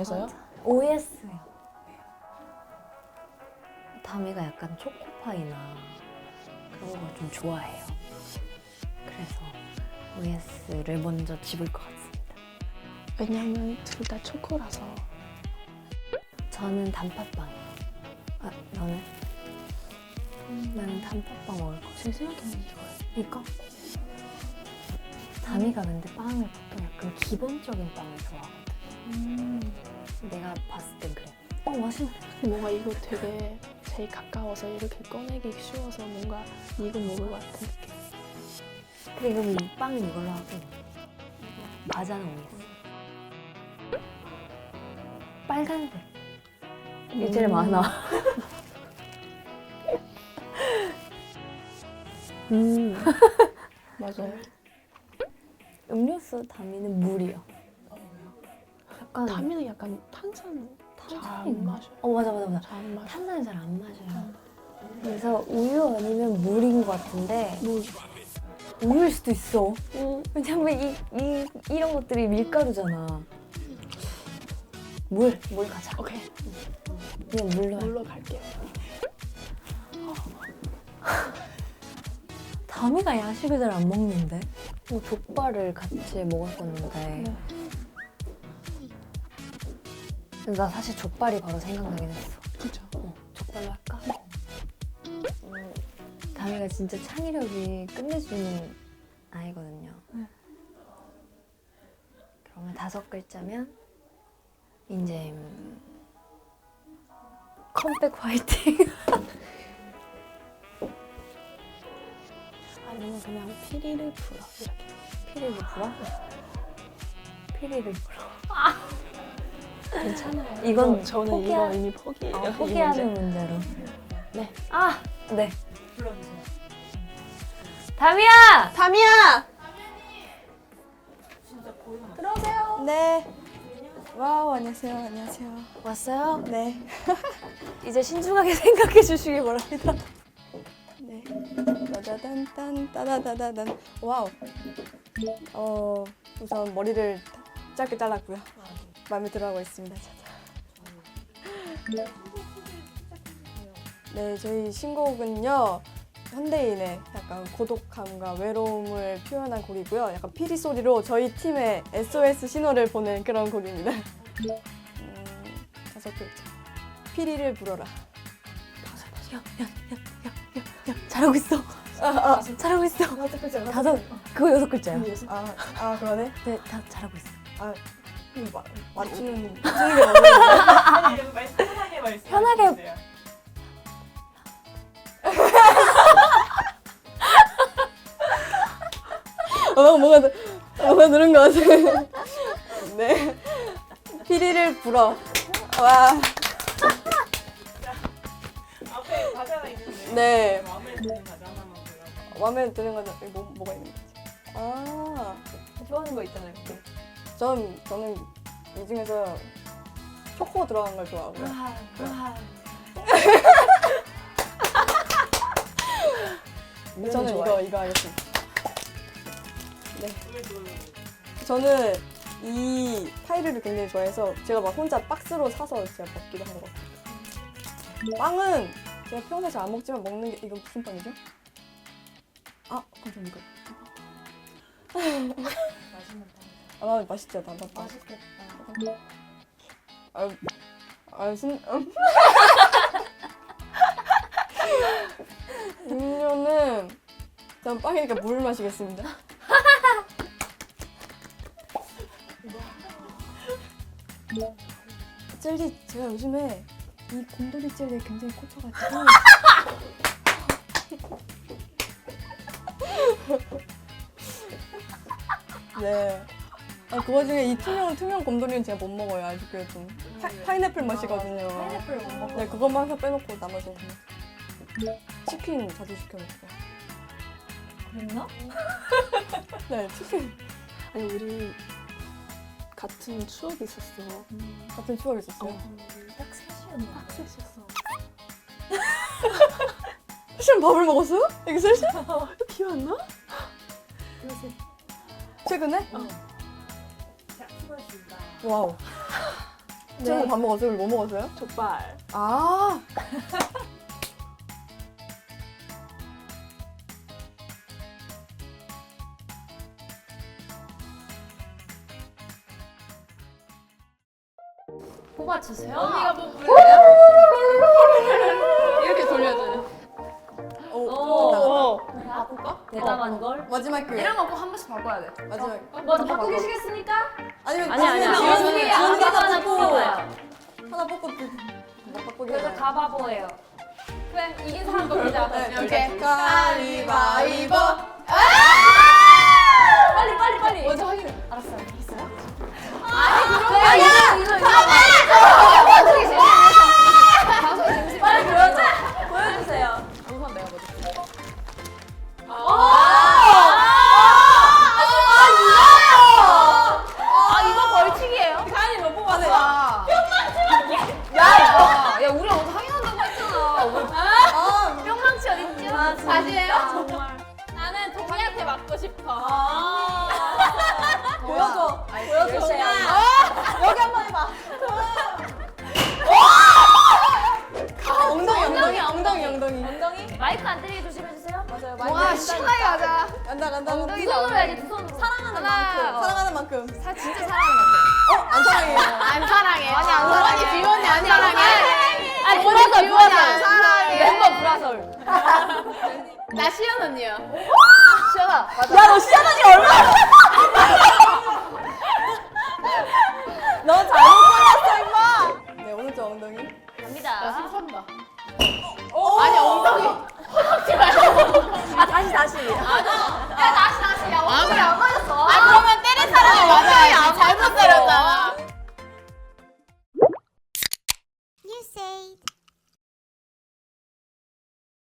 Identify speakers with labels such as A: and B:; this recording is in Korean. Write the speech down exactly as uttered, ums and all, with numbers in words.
A: 중에서요?
B: 오에스요. 다미가 약간 초코파이나 그런 걸 좀 좋아해요. 그래서 오에스를 먼저 집을 것 같습니다.
A: 왜냐면 둘 다 초코라서.
B: 저는 단팥빵이요. 아, 너는? 음, 나는 단팥빵 먹을 거.
A: 제 생각에는 이거예요.
B: 이거? 다미가 근데 빵을 보통 약간 기본적인 빵을 좋아하거든.
A: 음.
B: 내가 봤을 땐 그래. 어, 맛있네.
A: 뭔가 이거 되게 제일 가까워서 이렇게 꺼내기 쉬워서 뭔가 이거 먹을 것 같은 느낌.
B: 그래, 그럼 이 빵은 이걸로 하고 과자는 오에스. 빨간색. 이게 제일
A: 음.
B: 많아.
A: 음. 맞아요.
B: 음료수 다미는 물이요. 약간
A: 다미는 약간 탄산 잘 안
B: 탄산인가?
A: 마셔요.
B: 어, 맞아, 맞아, 맞아.
A: 잘 안 마셔요.
B: 탄산을 잘 안 마셔요. 그래서 우유 아니면 물인 것 같은데
A: 물.
B: 우유일 수도 있어.
A: 음.
B: 왜냐면 이, 이, 이런 것들이 밀가루잖아. 물, 물 가자.
A: 오케이.
B: 그냥 물로 할게.
A: 물로 갈게요.
B: 다미가 야식을 잘 안 먹는데? 뭐 족발을 같이 먹었었는데
A: 네.
B: 근데 나 사실 족발이 바로 생각나긴 했어.
A: 그렇죠.
B: 어, 족발로 할까? 음, 다미가 진짜 창의력이 끝내주는 아이거든요.
A: 네.
B: 그러면 다섯 글자면 이제 음, 컴백 화이팅!
A: 아니면 그냥 피리를 불어 이렇게.
B: 피리를 불어? 피리를 불어.
A: 괜찮아요.
B: 이건
A: 저, 저는
B: 포기하-
A: 이거 이미 포기해요.
B: 어,
A: 이
B: 포기하는
A: 문제.
B: 문제로.
A: 네.
B: 아! 네. 불러주세요. 다미야!
C: 다미야! 들어오세요. 네. 와우, 안녕하세요. 안녕하세요.
B: 왔어요?
C: 네.
B: 이제 신중하게 생각해 주시기 바랍니다.
C: 네. 따다단딴 따다다다단. 와우. 어, 우선 머리를 짧게 잘랐고요. 마음에 들어하고 있습니다. 네, 저희 신곡은요. 현대인의 약간 고독함과 외로움을 표현한 곡이고요. 약간 피리 소리로 저희 팀에 에스오에스 신호를 보낸 그런 곡입니다. 음, 다섯 글자. 피리를 불어라.
B: 야, 야, 야, 야, 야, 야, 잘하고 있어.
C: 아, 아,
B: 잘하고 있어.
C: 다섯 글자.
B: 다섯, 그거 여섯 글자야.
C: 아, 아 그러네.
B: 네, 다 잘하고 있어.
C: 아, 이거 마, 맞추는 맞추는 게 맞는
D: 아니, 말씀 편하게 말씀.
B: 편하게.
C: 어, 뭔가 뭔가 누른 것 같아. 네. 피리를 불어. 와.
D: 앞에 과자가 있는데.
C: 네.
D: 마음에 드는 과자 하나만 골라봐.
C: 마음에 드는 거는 여기 뭐 뭐가 있는 거지? 아,
B: 좋아하는 거 있잖아요.
C: 전 저는 이 중에서 초코 들어간 걸 좋아하고요. 저는 이거 이거 하겠습니다. 네. 저는 이 파이를 굉장히 좋아해서 제가 막 혼자 박스로 사서 제가 먹기도 하는 것 같아요. 빵은 제가 평소에 잘 안 먹지만 먹는 게 이건 무슨 빵이죠? 아, 감사합니다.
D: 맛있는 빵.
C: 아, 맛있죠, 단팥빵.
D: 맛있겠다.
C: 아, 아, 신, 음. 음료는 전 빵이니까 물 마시겠습니다. 젤리 제가 요즘에 이 곰돌이 젤리에 굉장히 꽂혀가지고 네. 아, 그 와중에 이 투명 투명 곰돌이는 제가 못 먹어요. 아직도 파, 파인애플 맛이거든요.
D: 파인애플 못 먹어.
C: 네, 그것만 항상 빼놓고 나머지는 그냥 치킨 자주 시켜 먹고.
B: 그랬나?
C: 네, 치킨
A: 아니 우리 같은 추억이 있었어.
C: 같은 추억이 있었어요.
B: 딱 셋이었나?
A: 딱 셋이었어.
C: 셋이랑 밥을 먹었어요? 이게 셋이?
A: 기억 안 나?
C: 최근에?
D: 자, 수고하셨습니다.
C: 와우. 친구 밥 먹었어요? 뭐 먹었어요?
A: 족발.
C: 아.
B: 뽑아주세요.
D: 언니가 뭐 부르냐?
A: 이렇게 돌려줘요.
C: 오.
B: 오.
C: 나가.
A: 바꿀까?
B: 대담한 걸.
C: 마지막 기회.
A: 이런 거 꼭 한 번씩 바꿔야 돼.
C: 마지막.
B: 먼저 바꾸고 계시겠습니까?
C: 아니면
B: 아니 아니 아니.
C: 지원이
B: 지원이
C: 지원이
B: 하나
C: 하나 뽑고
B: 뽑아요.
C: 하나 뽑고 그- 뭐 바꾸게.
B: 그래서
C: 해요.
B: 가바보예요. 그래 이긴 사람 뽑자.
C: 네,
A: 이렇게.
C: 가위바위보.
B: 빨리 빨리 빨리.
A: 먼저 확인해.
B: 알았어요. 알겠어요?
C: 아니야.
B: 이거 이거 빨리 보여줘. 보여주세요.
A: 우선 내가 먼저.
B: 아 이거 벌칙이에요?
D: 가인이 뭐 뽑았어?
A: 아,
B: 야, 야 우리가 먼저 확인한다고 했잖아.
C: 아,
B: 뿅망치 어딨죠?
A: 다시 해요.
B: 정말.
D: 나는 동이한테 맞고 싶어.
C: 보여줘.
B: 보여주세요.
C: 여기 한 번 해봐. 엉덩이 엉덩이 엉덩이 엉덩이.
B: 엉덩이? 마이크 안 때리게 조심해주세요. 맞아요.
A: 와, 시원하게 가자.
C: 간다 간다.
B: 두 손으로 해야지 두 손으로. 사랑하는
A: 하나.
C: 사랑하는 만큼.
A: 사 진짜 사랑하는 것
C: 어, 안 사랑해.
A: 같아. 안 사랑해.
B: 아니, 안 사랑해.
A: 아니, 지원이 안 사랑해.
B: 아니
A: 지원이
B: 불화설
A: 지원이
B: 불화설.
A: 안 사랑해.
B: 멤버 불화설.
A: 나 시연 언니야. 시연아. 맞아.
C: 야, 너 시원하지 얼마나? 너 잘못 골랐어, 임마. 네, 오른쪽 엉덩이.
B: 갑니다.
A: 나술 산다.
C: 오!
A: 아니, 엉덩이. 하지 말고.
B: 아 다시 다시.
A: 야, 다시, 다시. 야, 엉덩이 안 맞았어. 아, 그러면 때린 사람이 맞아야지. 잘못 때렸잖아.
E: You say